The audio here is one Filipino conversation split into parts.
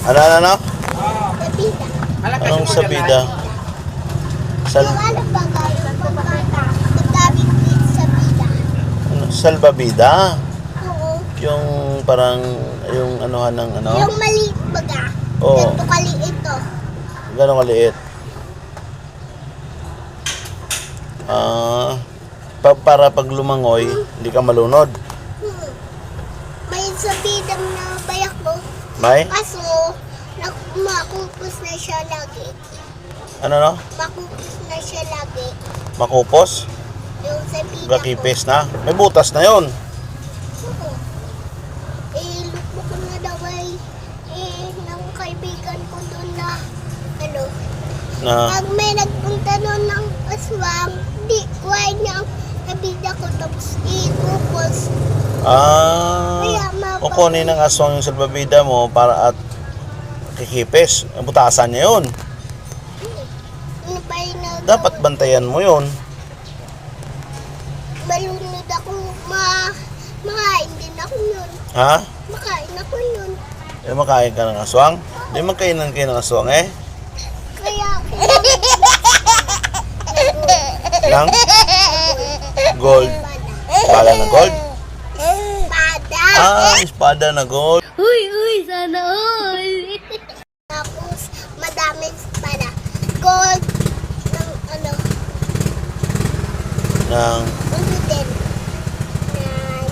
Ano? Sabida. Anong sabida? Yung ano ba kayo? Magkabit din sabida. Salbabida? Oo. Yung parang, yung anuhan ng ano? Yung maliit baga. Oo. Ganito kaliit ito. Gano'ng kaliit? Para pag lumangoy, hindi ka malunod. May sabida na bayak mo. May? Kaso, makupos na siya lagi. Ano? Makupos na siya lagi. Makupos? Yung sabida ko. Gakipis na? May butas na yon. Oo. Lupo ko na daw ay ng kaibigan ko doon na ano. Na, Pag may nagpunta doon ng aswang, di kuhay niya ang sabida ko tapos ikupos. Kaya kukunin ng aswang yung salbabida mo para at kikipis. Butasan niya yun. Ano ba yung Dapat bantayan mo yun. malunod ako, makain din ako yun. Ha? Makain ako yun. Makain ka ng aswang? Hindi magkainan kayo ng aswang eh. Kaya ako Lang? Gold. Espada na gold? espada. Espada na gold. Uy, sana all. Tapos, madaming espada. Gold, ng ano din. Ng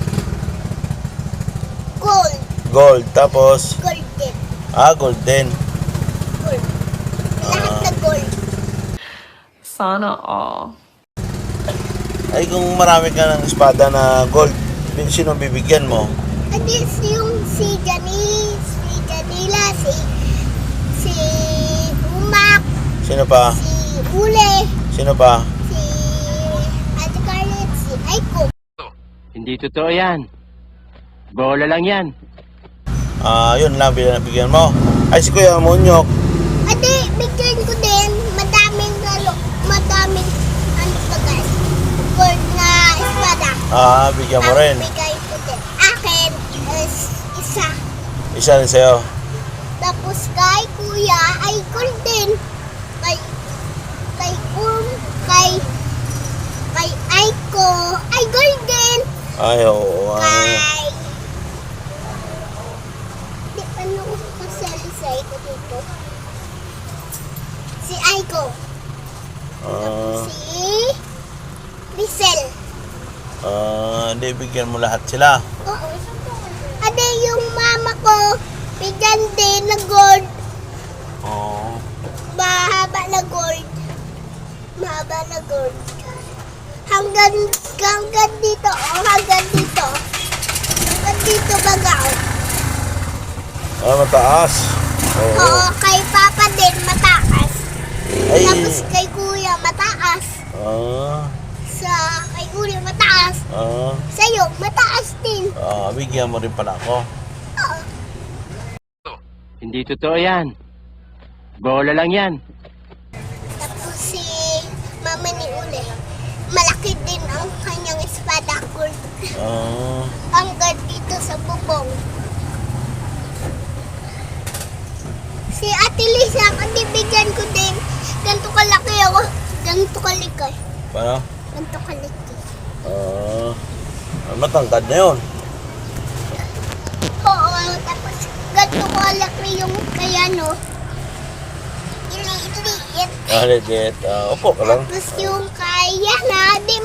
gold. Gold. Tapos, Gold din. gold din. Gold. Lahat na gold. Sana all. Ay, kung marami ka ng espada na gold, sino bibigyan mo? At least yung si Janice, si Janila, si Umak, Sino pa? si Ule, Sino pa? si Ate Scarlett, si Aiko. Hindi totoo yan. Bola lang yan. Yun lang, bigyan mo. Ay, si Kuya Munyok. Ate, bigyan ko din, madaming ano ba guys, gold na espada. Bigyan mo rin. Bigay ko din. Akin is isa. Isa rin sa'yo. Tapos kay Kuya ay gold din. Kay Aiko ay gold din. Ay, oo. Kay di ano ko kasali sa Aiko dito. Si Aiko. Si Rizal. Hindi, bigyan mo lahat sila. Oo. Ade yung mama ko, bigyan din na gold. Oo. Mahaba na gold. Mahaba na gold. Hanggang dito, hanggang dito. Hanggang dito baga. Mataas. Oo. Oo, kay Papa din mataas. Ay. Tapos kay Kuya mataas. Kay Kuya mataas. Sa'yo, mataas din. Bigyan mo rin pala ako. Oo. Hindi totoo yan. Bola lang yan. Tapos si Mama ni Ule, malaki din ang kanyang espada gold. Hanggang dito sa bubong. Si Ate Lisa, bigyan ko din. Ganito kalaki ako. Ganito kalaki. Paano? Ganito kalaki. Matangkad na yun. Oo, tapos ganito kalaki yung kaya no. Iliit. Legit. Upo ka lang. Tapos yung kaya na, di